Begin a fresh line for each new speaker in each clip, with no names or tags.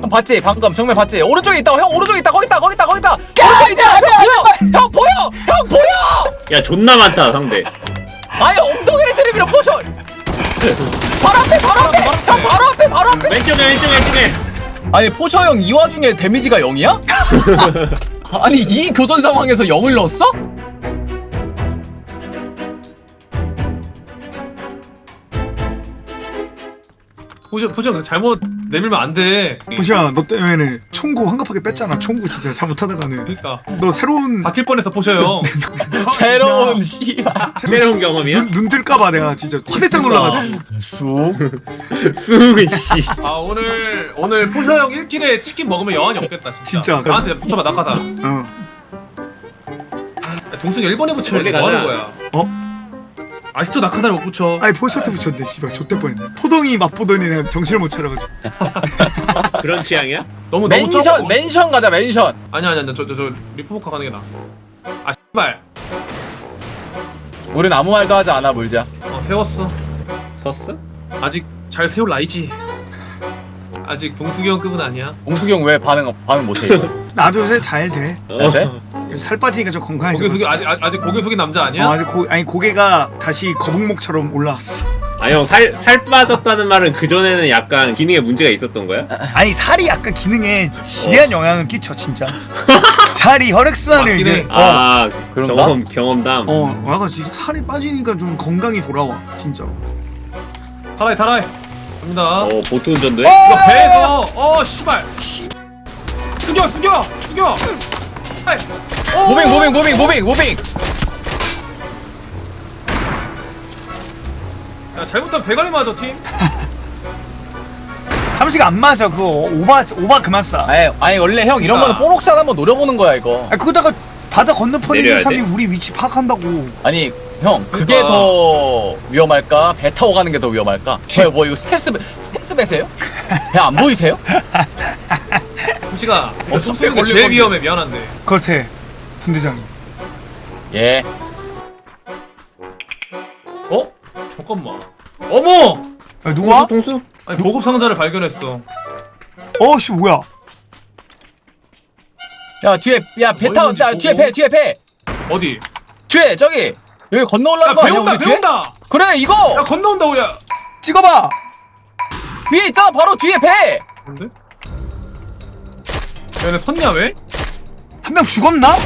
형 봤지? 방금 정면 봤지? 오른쪽에 있다. 형 오른쪽에 있다. 거기 있다. 오른쪽에 있다. 형 보여. 형 보여.
야 존나 많다 상대.
아니 엉덩이를 들이밀어 포션. 바로 앞에. 형 바로 앞에.
왼쪽에.
아니 포셔 형 이 와중에 데미지가 0이야? 아니 이 교전 상황에서 0을 넣었어?
포션 잘못 내밀면 안 돼.
호시야 너 때문에 총구 황급하게 뺐잖아. 총구 진짜 잘못하다가는
그러니까
너 새로운
바뀔 뻔해서 포셔요.
새로운 씨발
새로운 경험이야?
눈 뜰까봐 내가 진짜 화들짝 놀라가지고.
쑥
수미 씨.
아 오늘 포셔 형 1킬에 치킨 먹으면 여한이 없겠다 진짜.
진짜.
나한테 붙여봐 낙하다.
어.
동승이 1번에 붙여야 돼.
원래
뭐 하는
가자.
거야?
어?
아직도 낙하다를 못 붙여.
아니 포셔트 붙였네. 씨발 좆될 뻔했네. 포동이 맛보더니 내가 정신을 못 차려가지고.
그런 취향이야?
너무
맨션 가자 맨션.
아니야 저 리포모카 가는 게 나아. 아 씨발.
우린 아무 말도 하지 않아 물자.
세웠어.
섰어?
아직 잘 세울 나이지. 아직 동숙이 형 급은 아니야.
공숙이 형 왜 반응 못해 이거?
나도 요새 잘 돼.
네?
살 빠지니까 좀 건강해져.
고개 숙이 아직 고개 숙인 남자 아니야?
아직 고개가 다시 거북목처럼 올라왔어.
아 형 살 빠졌다는 말은 그 전에는 약간 기능에 문제가 있었던 거야?
아니 살이 약간 기능에 지대한 영향을 끼쳐 진짜. 살이 혈액순환을
맞긴 해.
이게
아
그런가?
경험담.
약간 진짜 살이 빠지니까 좀 건강이 돌아와 진짜로.
타라이 갑니다.
보트 운전도 해?
이거 배에서 씨발 숙여 아이.
무빙.
야 잘못하면 대가리 맞아 팀.
삼시가 안 맞아 그거. 오바 그만 싸.
아니 원래 형 이런 거는 뽀록샷 한번 노려보는 거야 이거.
아 그거다가 바다 건너편에 있는
내려야
사람이
돼?
우리 위치 파악한다고.
아니 형 그게
그러니까.
더 위험할까? 배 타고 가는 게 더 위험할까? 뭐 이거 스텔스 배세요? 배 안 보이세요?
잠시가
어차피
총소리가
걸릴
제일
건데.
위험해. 미안한데.
그렇대 분대장이.
예.
어? 잠깐만. 어머!
야, 누가?
동수?
아니 보급 상자를 발견했어.
씨 뭐야?
야 뒤에 배 타.
얼마인지
야 뒤에 배.
어디?
뒤에 저기 여기 건너 올라가는 거 아니야 우리 뒤에?
배운다.
그래 이거
야 건너온다 오야.
찍어봐.
위에 있잖아 바로 뒤에 배.
뭔데? 얘네 섰냐 왜?
한 명 죽었나?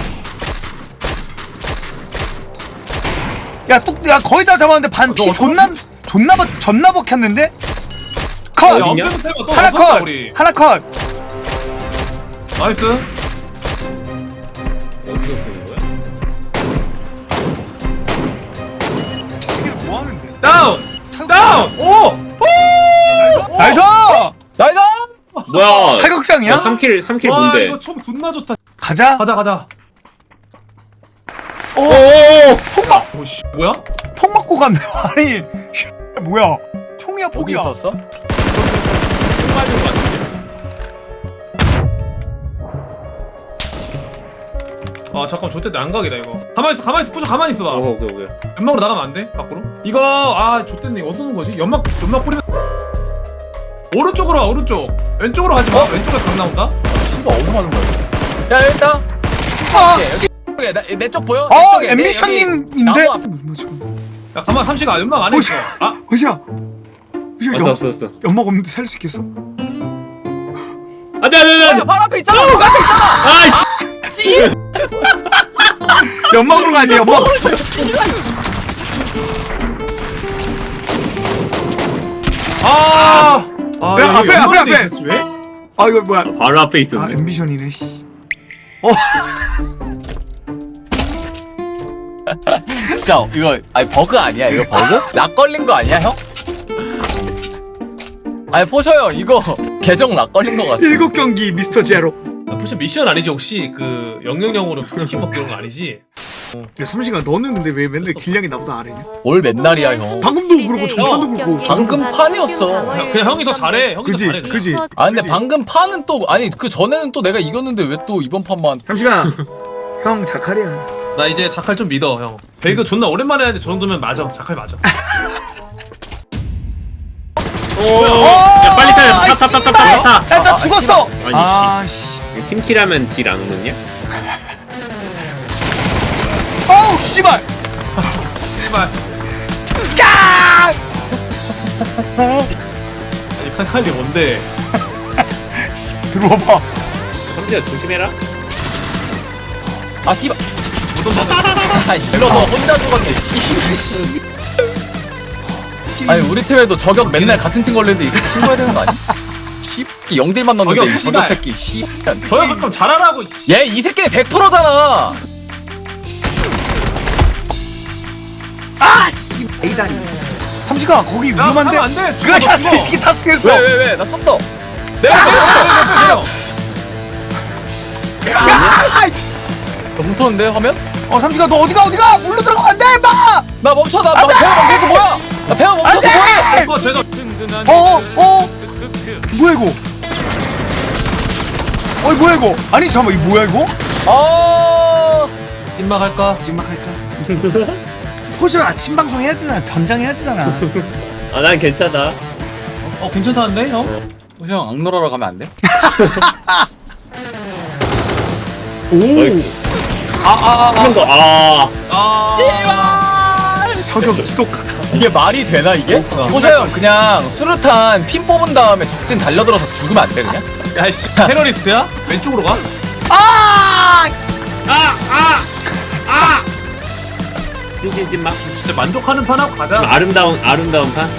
야 거의 다 잡았는데 반 피
너
존나 먹혔는데?
야
컷!
어디냐?
언제부터 해봐. 또
하나
나섰다,
컷!
우리.
하나 컷!
나이스.
어디서 쓰는 거야?
이게 뭐 하는데?
다운! 오!
나이스!
나이가.
뭐야?
사격장이야?
3킬
와
뭔데?
이거 총 존나 좋다.
가자.
가자.
오!
오씨 뭐야?
폭 맞고 갔네. 아니 뭐야? 총이야
어디
폭이야.
있었어?
아 잠깐 좋대 난각이다 이거. 가만히 있어. 포즈 가만히 있어봐.
오케이.
연막으로 나가면 안 돼? 밖으로? 이거 좋댔네. 어디서 오는 거지? 연막 뿌리면 오른쪽으로 와. 오른쪽. 왼쪽으로 가지 마. 왼쪽에 강 나온다.
씨발 어디 가는 거야? 야 여기 있다. 내 쪽 보여?
엠비션님인데?
나무 앞.
야 가만 삼시가 연막 안에 있어.
호시야. 호시야
왔어.
연막 없는데 살릴 수 있겠어?
안돼.
바로 앞에 있잖아. 바로 앞에 있잖아.
아이씨.
씨.
연막으로 가니 연막. 야, 앞에.
왜?
아 이거 뭐야?
바로 앞에 있었네.
엠비션이네. 씨.
진짜 이거 아니 버그 아니야 이거 버그? 락 걸린 거 아니야 형? 아니 포셔 형 이거 계정 락 걸린 거 같아.
7경기 미스터 제로.
혹시 미션 아니지 혹시 그 000으로 치킨 먹기 이런 거 아니지?
야 삼시가 너는 근데 왜 맨날 딜량이 나보다 아래냐?
뭘 맨날이야 형.
방금도 그렇고 전판도 그렇고.
방금 판이었어.
그냥 형이 더 잘해. 형이
그지
더 잘해. 그냥.
그지.
아 근데
그지?
방금 판은 또 아니 그 전에는 또 내가 이겼는데 왜 또 이번 판만?
삼시가 형 자칼이야.
나 이제 자칼 좀 믿어 형. 배그 존나 오랜만에 하는데 저 정도면 맞아. 자칼 맞아.
야 빨리 타.
아이,
타.
나 죽었어.
아니,
아씨.
팀킬하면 딜 안 오느냐?
어우 씨발.
씨발.
까!
아니 칼칼이 뭔데?
들어와봐.
성재야 조심해라.
아 씨발.
어떤 거?
아 일러서 혼자 죽었네. 씨. 아니 우리 팀에도 저격 맨날 같은 팀 걸리는데 이 새끼 신고해야 되는 거 아니? 씨. 영딜만 넣는데
저격
이
씨발.
저격 새끼. 씨.
저야 그럼 잘하라고.
얘 이 새끼는 100%잖아.
아씨. 에이다리. 삼시가 거기 위험한데.
안 돼.
그거 탔어. 이 새끼 탑승했어.
왜 나 탔어.
내가
야!
멈췄는데 화면?
삼시가 너 어디가 물로 들어가면 안 돼, 임마!
나 멈춰 나
안 돼!
배워 멈춰서 뭐야? 나 배워 멈춰서 뭐야?
이거 제가
뭐야 이거? 뭐야 이거? 아니 잠깐만 이 뭐야 이거?
입막 할까?
찐막할까? 포즈 아침 방송 해야 되잖아. 전장 해야 되잖아.
아 난 괜찮아.
괜찮다는데 형?
형 악놀하러 가면 안 돼?
오.
한 명 더.
저격 지독하다.
이게 말이 되나 이게? 호세형 그냥 수류탄 핀 뽑은 다음에 적진 달려들어서 죽으면 안 돼 그냥?
야씨 테러리스트야? 왼쪽으로 가?
찐찐찐막.
진짜 만족하는 판 하고 가자.
아름다운 판.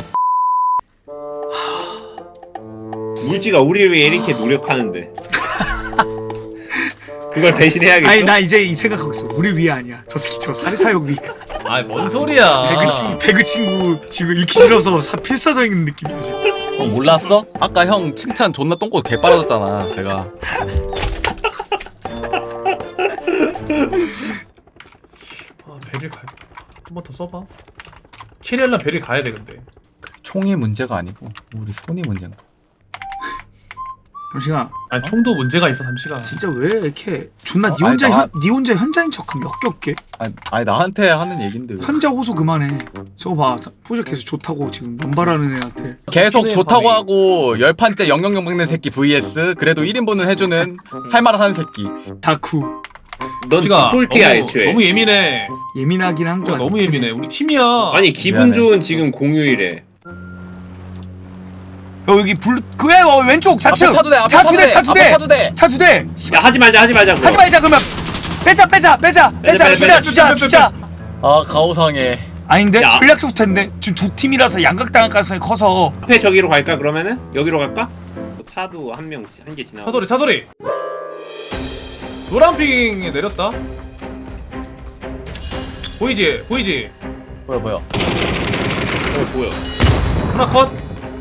물지가 우리를 위해 이렇게 노력하는데 그걸 배신해야겠어?
아니 나 이제 이 생각하고 있어. 우리 위에 아니야. 저 새끼 저 사리사욕 위에.
아이 뭔 소리야?
배그 친구 지금 읽기 싫어서 필사적인 느낌이야 지금.
몰랐어? 아까 형 칭찬 존나 똥꼬 개 빨아졌잖아 제가.
베릴 가. 한 번 더 써봐. 캐리하려면 베릴 가야 돼 근데.
총이 문제가 아니고 우리 손이 문제인 거.
잠시만.
아니 총도 문제가 있어 삼시가.
진짜 왜 이렇게 존나 니
아니,
혼자
나-
니 혼자 현자인 척하면 역겹게.
아니 나한테 하는 얘긴데 왜.
현자 호소 그만해. 저거 봐. 포즈 계속 좋다고 지금 연발하는 애한테.
계속 좋다고
밤에.
하고 10판째 000 먹는 새끼 vs 그래도 1인분은 해주는 할 말을 하는 새끼.
다쿠.
넌
삼시가
디폴트야 애초에.
너무 예민해.
예민하긴 한 거야.
너무 예민해. 우리 팀이야.
아니 기분
미안해.
좋은 지금 공휴일에
여기 그래 왼쪽 좌측.
앞에 차도 돼, 앞에
차 두 대, 차 두
앞에
대.
차도 돼.
차 두 대.
야 하지 말자 그거.
하지 말자 그러면. 빼자. 주자.
아 가오상해.
아닌데
야.
전략 좋을 텐데 지금 두 팀이라서 양각당할 가능성이 커서.
앞에 저기로 갈까 그러면은? 여기로 갈까? 차도 한 개 지나.
차 소리. 노란핑에 내렸다. 보이지?
뭐야.
뭐야?
하나 컷.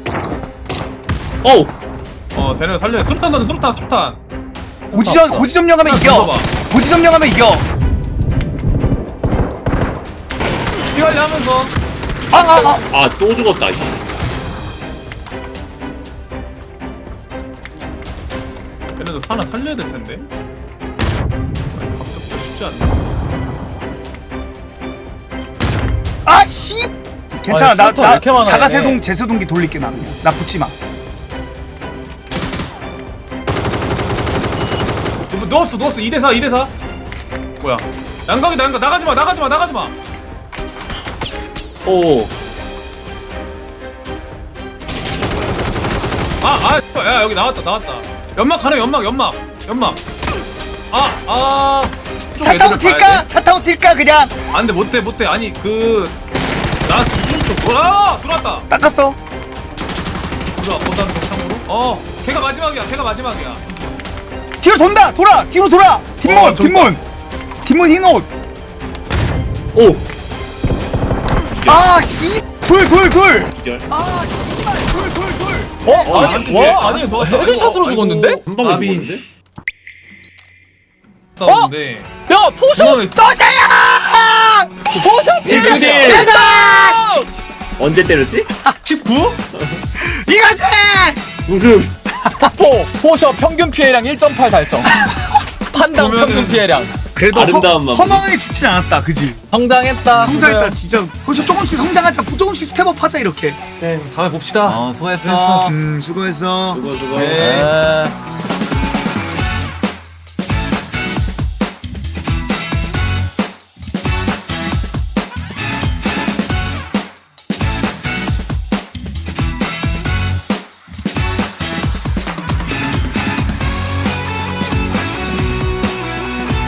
어우!
쟤네 살려. 수류탄 던져. 수류탄.
고지 점령하면 이겨.
던져봐.
고지 점령하면 이겨.
피관리 하면서.
아 또 죽었다. 씨.
얘네도 하나 살려야 될 텐데. 갑자기 쉽지 않네.
아씨. 괜찮아.
아니, 스타터 왜 이렇게 많아,
자가세동
얘네.
제세동기 돌릴게 나 그냥. 나 붙지 마.
넣었어. 2대4. 뭐야? 양각이다. 나가지 마.
오.
야 여기 나왔다. 연막 가네. 연막.
차 타고 튈까? 차 타고 튈까 그냥.
안돼 못돼. 아니 나 지금 좀 들어왔다.
닦았어.
들어왔다는 거 참고로. 걔가 마지막이야.
뒤로 돌아. 뒤로 돌아. 뒷문 흰옷.
오!
아씨. 둘.
기절.
아 씨발. 둘.
아니 헤드샷으로 죽었는데?
한 방에
나비.
죽었는데?
싸우는데.
야 포션
써샤야.
포션
딜.
피했어.
언제 때렸지?
19?
이거지.
우승!
포션 평균 피해량 1.8 달성. 판당
그러면은-
평균 피해량.
그래도
아름다운 마무리.
허망하게 죽진 않았다 그지?
성장했다.
성장했다 진짜 벌써 조금씩 성장하자 조금씩 스텝업 하자 이렇게
네, 다음에 봅시다.
수고했어.
수고했어
수고.
네.
네.